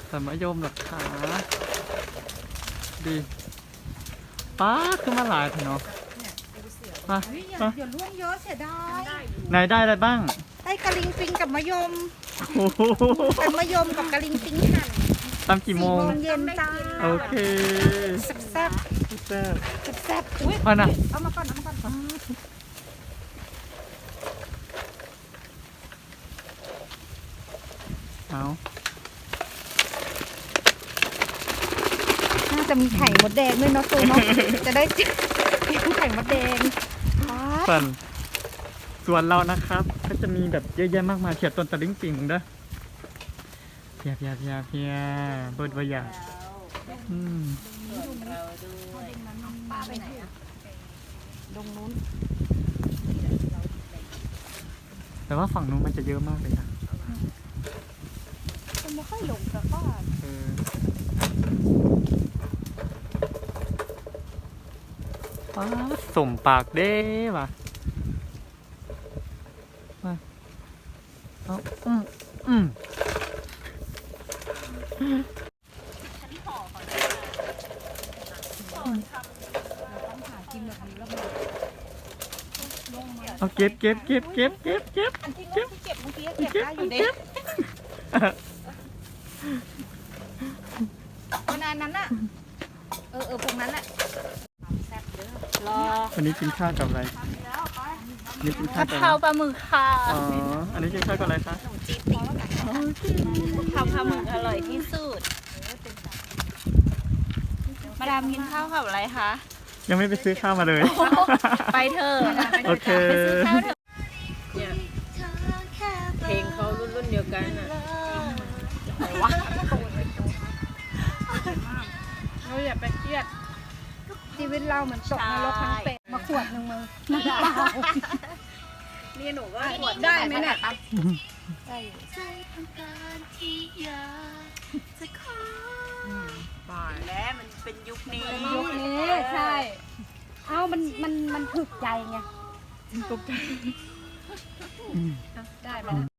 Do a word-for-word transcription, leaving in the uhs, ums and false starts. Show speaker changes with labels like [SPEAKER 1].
[SPEAKER 1] แต่มะยมหลักขาดีป้าขึ้นมาหลายเถอะเนาะมามา
[SPEAKER 2] เดี๋ยวล่วงเยอะเสียดาย
[SPEAKER 1] ไหนได้อะไรบ้าง
[SPEAKER 2] ได้กะลิงปิงกับมะยม
[SPEAKER 1] โอ้โห
[SPEAKER 2] เป็นมะยมกับกะลิงปิงหั่น
[SPEAKER 1] ตามกี่โมง
[SPEAKER 2] สี่โมงเย็นจ้า
[SPEAKER 1] โอเค
[SPEAKER 2] แซ่บแซ่บ
[SPEAKER 1] แซ่บ
[SPEAKER 2] แซ่บอุ้ย
[SPEAKER 1] มานะ
[SPEAKER 2] เอามาก่อนเอามาก่อน
[SPEAKER 1] เอา
[SPEAKER 2] น่าจะมีไข่มดแดงด้วยเนาะตัวเนาะ จะได้ไข่มดแดง
[SPEAKER 1] ส่วนส่วนเรานะครับ ก็จะมีแบบเยอะแยะมากมายเขียดต้นตะลิงปิงเด้อเพียเพียเพียเพียเบิดวายาอืม
[SPEAKER 2] ป้าไปไหนอะดงนู้น
[SPEAKER 1] แต่ว่าฝั่งนู้นมันจะเยอะมากเลยนะ
[SPEAKER 2] มันไม่ค่อยหลงกับป้า
[SPEAKER 1] เออป้าดสมปากเด้ว่ะมาเอาอืมอืมเอาเก็บเก็บเก็บเก็บเก็บเก็บ
[SPEAKER 2] อันที่ลูกที่เก็บเมื่อกี้เก็บได้อยู่เด็กวันนั้นน่ะเออเออพวกนั้นแหละแซ่บเด้อรอ
[SPEAKER 1] วันนี้กินข้าวกับอะไรวันนี้กินข้าวกับอะไร
[SPEAKER 3] ข้าวปลาหมึกค่ะ
[SPEAKER 1] อ๋อ อันนี้กินข้าวกับอะไรคะ
[SPEAKER 2] จี๊ดติ๊ง
[SPEAKER 3] ข้าวปลาหมึกอร่อยที่สุด มาดามกินข้าวกับอะไรคะ
[SPEAKER 1] ยังไม่ไปซื้อข้าวมาเลย
[SPEAKER 3] ไปเถอะ
[SPEAKER 1] โอเค
[SPEAKER 3] ไปซื้อข้าวเถอะ
[SPEAKER 4] เพลงเขารุ่นรุ่นเดียวกันอ่ะ
[SPEAKER 3] เราอย่าไปเครียด
[SPEAKER 2] ชีวิตเราเหมือนตกนรกทั้งเป็นมาขวดหนึ่งมึงน้ำเปล่า
[SPEAKER 4] นี่หนูก็
[SPEAKER 2] ขวดได้ไหมเนี่ยได้
[SPEAKER 4] บ่ายแล้วมันเป็นยุคนี้
[SPEAKER 2] ยุคนี้ใช่ เอ้ามันมันมันถึกใจไง
[SPEAKER 1] ตกใจ
[SPEAKER 2] ได้ไหม